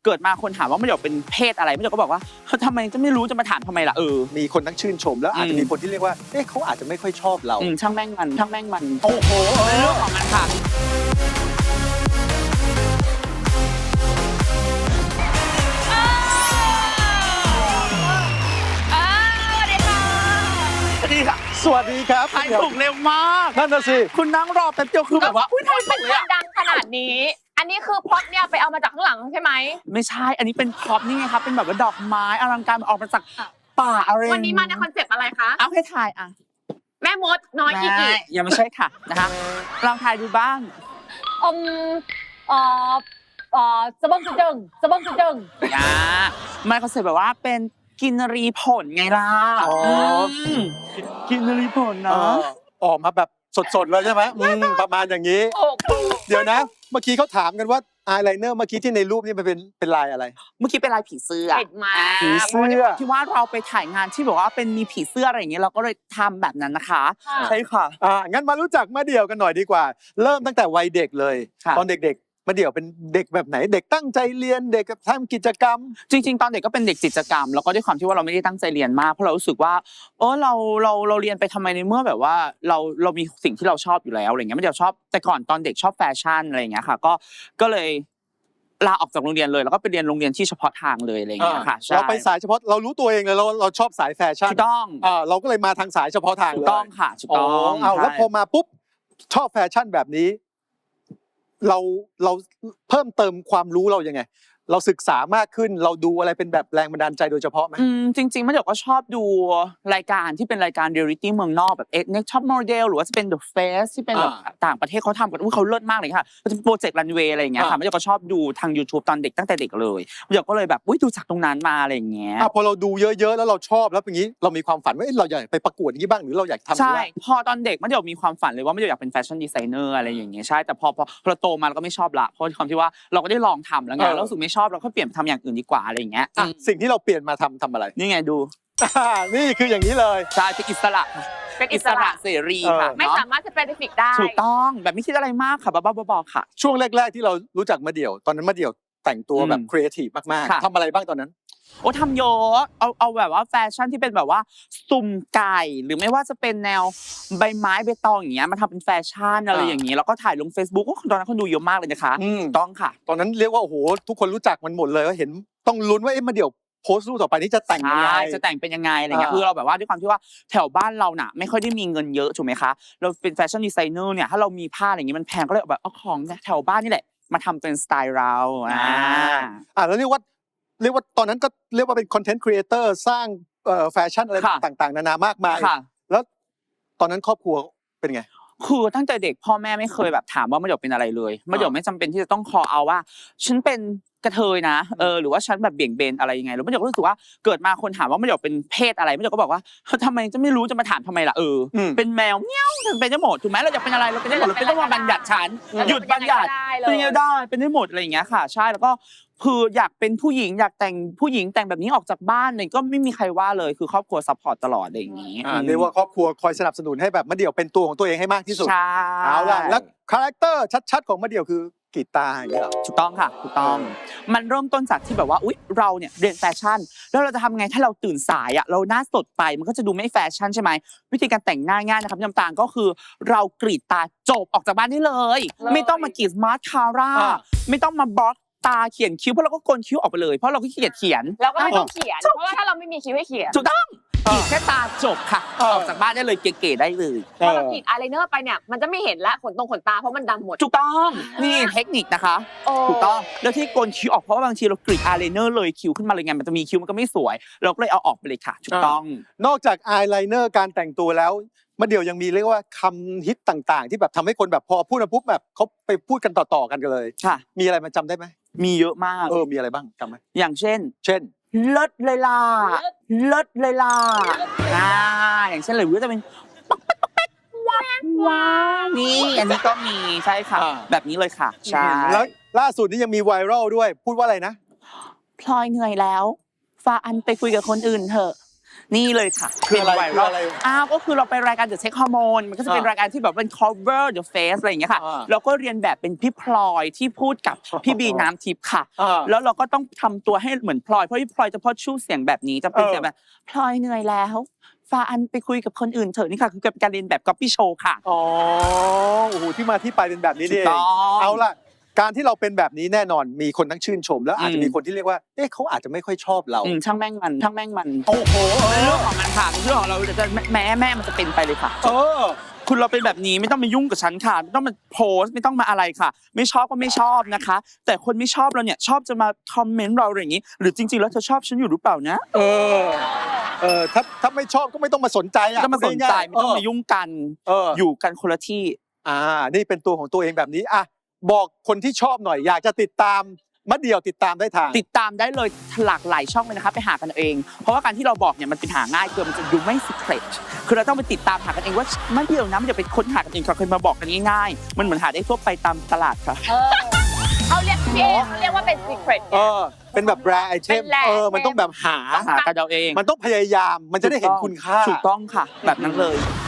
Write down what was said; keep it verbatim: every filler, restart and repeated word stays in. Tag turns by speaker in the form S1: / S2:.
S1: เกิดมาคนถามว่าไม่เดี๋ยวเป็นเพศอะไรไม่เดี๋ยวก็บอกว่าทำไมจะไม่รู้จะมาถามทำไมล่ะเออ
S2: มีคนทั้งชื่นชมแล้วอาจจะมีคนที่เรียกว่าเอ๊ะเขาอาจจะไม่ค่อยชอบเรา
S1: ช่างแม่งมันช่างแม่งมัน
S2: โอ้โห
S1: เรื่องของมันค่ะ
S2: สวัสดีครับ
S1: ทายถูกเร็วมาก
S2: นั่นน่ะสิ
S1: คุณนั่งรอแป๊บเดียวคือแบบว่าอุ้ยทายถูกเลย
S3: ดังขนาดนี้อันนี้คือพล็อตเนี่ยไปเอามาจากข้างหลังใช่ไหม
S1: ไม่ใช่อันนี้เป็นพร็อพนี่ไงครับเป็นแบบว่าดอกไม้อลังการออกมาจากป่าอะไร
S3: วันนี้มาในคอนเซปต์อะไรคะ
S1: เอาให้ทายอ่ะ
S3: แม่มดน้อยอีกอีก
S1: ยังไม่ใช่ค่ะนะคะลองทายดูบ้าง
S3: อมเอ่อเอ่อสะบังสะจึงสะบังสะจึง
S1: นะมันคอนเซปต์แบบว่าเป็นกินรีผลไงล่ะอ๋อกินรีผลเนาะ
S2: ออกมาแบบสดๆเลยใช่ไหมประมาณอย่างนี้เดี๋ยวนะเมื่อกี้เขาถามกันว่าอายไลเนอร์เมื่อกี้ที่ในรูปนี่มันเป็นเป็นลายอะไร
S1: เมื่อกี้เป็นลายผีเสื้อ
S3: เห็นมา
S2: ผีเสื้อ
S1: ที่ว่าเราไปถ่ายงานที่บอกว่าเป็นมีผีเสื้ออะไรอย่างเงี้ยเราก็เลยทำแบบนั้นนะคะใช่ค่ะ
S2: อ่างั้นมารู้จักมะเดี่ยวกันหน่อยดีกว่าเริ่มตั้งแต่วัยเด็กเลยตอนเด็กๆมะเดี่ยวเป็นเด็กแบบไหนเด็กตั้งใจเรียนเด็กทำกิจกรรม
S1: จริงๆตอนเด็กก็เป็นเด็กกิจกรรมแล้วก็ด้วยความที่ว่าเราไม่ได้ตั้งใจเรียนมากเพราะเรารู้สึกว่าเออเราเราเราเรียนไปทำไมในเมื่อแบบว่าเราเรามีสิ่งที่เราชอบอยู่แล้วอะไรเงี้ยมะเดี่ยวชอบแต่ก่อนตอนเด็กชอบแฟชั่นอะไรอย่างเงี้ยค่ะก็ก็เลยลาออกจากโรงเรียนเลยแล้วก็ไปเรียนโรงเรียนที่เฉพาะทางเลยอะไรอย่างเงี้ยค่ะ
S2: เราไปสายเฉพาะเรารู้ตัวเองเลยเราเราชอบสายแฟชั่น
S1: ถูกต้อง
S2: อ่าเราก็เลยมาทางสายเฉพาะทางเลย
S1: ถูกต้องค่ะถูกต้อง
S2: เอาแล้วพอมาปุ๊บชอบแฟชั่นแบบนี้เราเราเพิ่มเติมความรู้เรายังไงเราศึกษามากขึ้นเราดูอะไรเป็นแบบแรงบันดาลใจโดยเฉพาะไหม
S1: อืมจริงๆมะเดี่ยวก็ชอบดูรายการที่เป็นรายการเรียลลิตี้เมืองนอกแบบ Next Top Model หรือว่าจะเป็น The Face ที่เป็นแบบต่างประเทศเขาทำกันอุ้ยเขาเลิศมากเลยค่ะก็จะเป็นโปรเจกต์รันเวย์อะไรอย่างเงี้ยค่ะมะเดี่ยวก็ชอบดูทาง YouTube ตอนเด็กตั้งแต่เด็กเลยมะเดี่ยวก็เลยแบบอุ้ยดูจากตรงนั้นมาอะไรอย่างเงี้ย
S2: อ่ะพอเราดูเยอะๆแล้วเราชอบแล้วอย่างงี้เรามีความฝันว่าเราอยากไปประกวดอย่างนี้บ้างหรือเราอยากทำ
S1: ใช่พอตอนเด็กมะเดี่ยวมีความฝันเลยว่ามะเดี่ยวอยากเป็นแฟชั่นดีไซเนอร์อะไรอย่างเงี้ยใช่แต่พอพอเราโตมาเราก็ไม่ชอบละเพราะความที่ว่าเราก็ได้ลองทำแล้วไงเรารู้สึกไม่ชอบเราก็เปลี่ยนไปทำอย่างอื่นดีกว่าอะไรอย่างเงี้ย
S2: สิ่งที่เราเปลี่ยนมาทำทำอะไร
S1: นี่ไงดู
S2: นี่คืออย่างนี้เลย
S1: ใช่เป็นอิสระ
S3: เป็นอิสระ
S1: เสรีค่ะ
S3: ไม่สามารถจะเป็นฟิกได้
S1: ถูกต้องแบบไม่คิดอะไรมากค่ะบ้าๆบอๆค่ะ
S2: ช่วงแรกๆที่เรารู้จักมะเดี่ยวตอนนั้นมะเดี่ยวแต่งตัวแบบครีเอทีฟมากๆทำอะไรบ้างตอนนั้น
S1: โอ้ทำเยอะเอาเอาแบบว่าแฟชั่นที่เป็นแบบว่าสุ่มไก่หรือไม่ว่าจะเป็นแนวใบไม้ใบตองอย่างเงี้ยมาทำเป็นแฟชั่นอะไรอย่างเงี้ยแล้วก็ถ่ายลง Facebook ตอนนั้นคนดูเยอะมากเลยนะคะต้องค่ะ
S2: ตอนนั้นเรียกว่าโอ้โหทุกคนรู้จักมันหมดเลยว่าเห็นต้องลุ้นว่าเอ๊ะมะเดี่ยวโพสต์รูปต่อไปนี้จะแต่งยังไง
S1: จะแต่งเป็นยังไงอะไรเงี้ยคือเราแบบว่าด้วยความที่ว่าแถวบ้านเราน่ะไม่ค่อยได้มีเงินเยอะถูกไหมคะเราเป็นแฟชั่นดีไซเนอร์เนี่ยถ้าเรามีผ้าอะไรอย่างงี้มันแพงก็เลยแบบเอาของแถวบ้านนี่แหละมาทำเป็นสไตล์เราอ่า
S2: อ่าแล้วเรียกว่าเรียกว่าตอนนั้นก็เรียกว่าเป็นคอนเทนต์ครีเอเตอร์สร้างเอ่อแฟชั่นอะไรต่างๆนานามากมายแล้วตอนนั้นครอบครัวเป็นไง
S1: คือตั้งแต่เด็กพ่อแม่ไม่เคยแบบถามว่ามะเดี่ยวเป็นอะไรเลยมะเดี่ยวไม่จำเป็นที่จะต้องคอเอาว่าฉันเป็นกระเทยนะเออหรือว่าฉันแบบเบี่ยงเบนอะไรยังไงแล้วมะเดี่ยวก็รู้สึกว่าเกิดมาคนถามว่ามะเดี่ยวเป็นเพศอะไรมะเดี่ยวก็บอกว่าทำไมจะไม่รู้จะมาถามทำไมล่ะเออเป็นแมวเงี้ยวเป็นได้หมดถูกไหมเราอยากเป็นอะไรเราเป็นได้หมดเราเป็นต้องมาบัญญัติฉันหยุดบัญญัติเป็นยังไงได้เป็นได้หมดอะไรอย่างเงี้ยค่ะใช่แล้วก็คืออยากเป็นผู้หญิงอยากแต่งผู้หญิงแต่งแบบนี้ออกจากบ้านเนี่ยก็ไม่มีใครว่าเลยคือครอบครัวซัพพอร์ตตลอดอะไรอย่างงี้
S2: อ่าเรียกว่าครอบครัวคอยสนับสนุนให้แบบมะเดี่ยวเป็นตัวของตัวเองให้มากที่สุด
S1: ใช่
S2: เอาล่ะแล้วคาแรคเตอร์ชัดๆของมะเดี่ยวคือกีตาร์อย่างเงี้ย
S1: ถูกต้องค่ะถูกต้องมันเริ่มต้นจากที่แบบว่าอุ๊ยเราเนี่ยเรียนแฟชั่นแล้วเราจะทำไงถ้าเราตื่นสายอ่ะเราหน้าสดไปมันก็จะดูไม่แฟชั่นใช่ไหมวิธีการแต่งหน้าง่ายนะครับน้ำตาลก็คือเรากรีดตาจบออกจากบ้านได้เลยไม่ต้องมากรีดมาสคาร่าไม่ต้องมาบล็อกตาเขียนคิ้วเพราะเราก็โกนคิ้วออกไปเลยเพราะเราก็ขี้เกียจเขียน
S3: เราก็ไม่ต้องเขียนเพราะว่าถ้าเราไม่มีคิ้วให้เขียน
S1: ถูกต้องกรีดแค่ตาจบค่ะออกจากบ้านได้เลยเก๋ๆได้เลย
S3: พอเรากรีดอายไลเนอร์ไปเนี่ยมันจะไม่เห็นละขนตรงขนตาเพราะมันดำหมด
S1: ถูกต้องนี่เทคนิคนะคะถูกต้องแล้วที่โกนคิ้วออกเพราะว่าบางทีเรากรีดอายไลเนอร์เลยคิ้วขึ้นมาเลยไงมันจะมีคิ้วมันก็ไม่สวยเราก็เลยเอาออกไปเลยค่ะถูกต้อง
S2: นอกจากอายไลเนอร์การแต่งตัวแล้วมะเดี่ยวยังมีเรียกว่าคำฮิตต่างๆที่แบบทำให้คนแบบพอพูดมาปุ๊บแบบเขาไปพูดกันต่อๆกันกันเลย
S1: ค่ะ
S2: มีอะไรมาจำได้ไหม
S1: มีเยอะมาก
S2: เออมีอะไรบ้างจำไหม
S1: อย่างเช่น
S2: เช่น
S1: เลิศเลยล่ะเลิศเลยล่ะอ่าอย่างเช่นเลยว่าจะเป็นป๊อกป๊อกป๊อกว้าวว้าวนี่อันนี้ก็มีใช่ค่ะแบบนี้เลยค่ะใช่
S2: แล้วล่าสุดนี้ยังมีไวรัลด้วยพูดว่าอะไรนะ
S1: พลอยเหนื่อยแล้วฟ้าอันไปคุยกับคนอื่นเถอะนี่เลยค่ะ
S2: คืออะไร
S1: เป็นไว
S2: คือ
S1: รัล
S2: อะไร
S1: อ้าวก็คือเราไปรายการ The Check Hormone มันก็จะเป็น
S2: อ่าร
S1: ายการที่แบบเป็น cover the face อะไรอย่างเงี้ยค่ะ
S2: อ่า
S1: เราก็เรียนแบบเป็นพี่พลอยที่พูดกับพี่บีน้ำทิพย์ค่ะ
S2: อ่า
S1: แล้วเราก็ต้องทำตัวให้เหมือนพลอยเพราะพี่พลอยจะพอดชู้เสียงแบบนี้จะเป็น
S2: เออ
S1: เสียงแบบพลอยเหนื่อยแล้วฟาอันไปคุยกับคนอื่นเถอะนี่ค่ะคือการเรียนแบบ copy show ค่ะ
S2: อ๋อโอ้โหที่มาที่ไปเป็นแบบนี้นี่เอ
S1: ถูก
S2: ง
S1: ต้อง
S2: เอาล่ะการที่เราเป็นแบบนี้แน่นอนมีคนทั้งชื่นชม แล้วอาจจะ
S1: อืม
S2: มีคนที่เรียกว่าเอ๊ะเขาอาจจะไม่ค่อยชอบเรา
S1: อืมช่างแม่งมันช่างแม่งมัน
S2: โอ้โหเอ
S1: เป็นเรื่อง
S2: อ
S1: ของมันค่ะเป็นเรื่องของเราแต่จะแม้แม่มันจะเป็นไปเลยค่ะ
S2: เออ
S1: คุณเราเป็นแบบนี้ไม่ต้องมายุ่งกับฉันค่ะไม่ต้องมาโพสต์ไม่ต้องมาอะไรค่ะ ไม่ชอบก็ไม่ชอบนะคะ แต่คนไม่ชอบเราเนี่ยชอบจะมาคอมเมนต์เราอะไรอย่างนี้ หรือจริงๆแล้วเธอชอบฉันอยู่หรือเปล่านะ
S2: เออเออถ้าถ้าไม่ชอบก็ไม่ต้องมาสนใจ
S1: ไม่
S2: อ่ะ
S1: ต้องมาสนใจไม่ต้องมายุ่งกัน
S2: เออ
S1: อยู่กันคนละที่
S2: อ่านี่เป็นตัวของตัวเองแบบนี้อ่ะบอกคนที่ชอบหน่อยอยากจะติดตามมะเดี่ยวติดตามได้ทาง
S1: ติดตามได้เลยหลากหลายช่องเลยนะคะไปหากันเอาเอง เพราะว่าการที่เราบอกเนี่ยมันเป็นหาง่ายเกินมันจะดูไม่ secret คือเราต้องไปติดตามหากันเองว่าไม่เดียวนะมันจะเป็นค้นหากันเองค่ะเคยมาบอกกันง่ายๆมันเหมือนหาได้ทั่วไปตามตลาดค่ะ
S3: เออเขาเรียกพี่เอเขาเรียกว่าเป็น secret
S2: เออเป็นแบบแรไอเท
S3: เป็
S2: ม
S3: น rare
S2: เออมันต้องแบบหา
S1: หากันเอาเอง
S2: มันต้องพยายามมันจะได้เห็นคุณค่า
S1: ถูกต้องค่ะ แบบนั้นเลย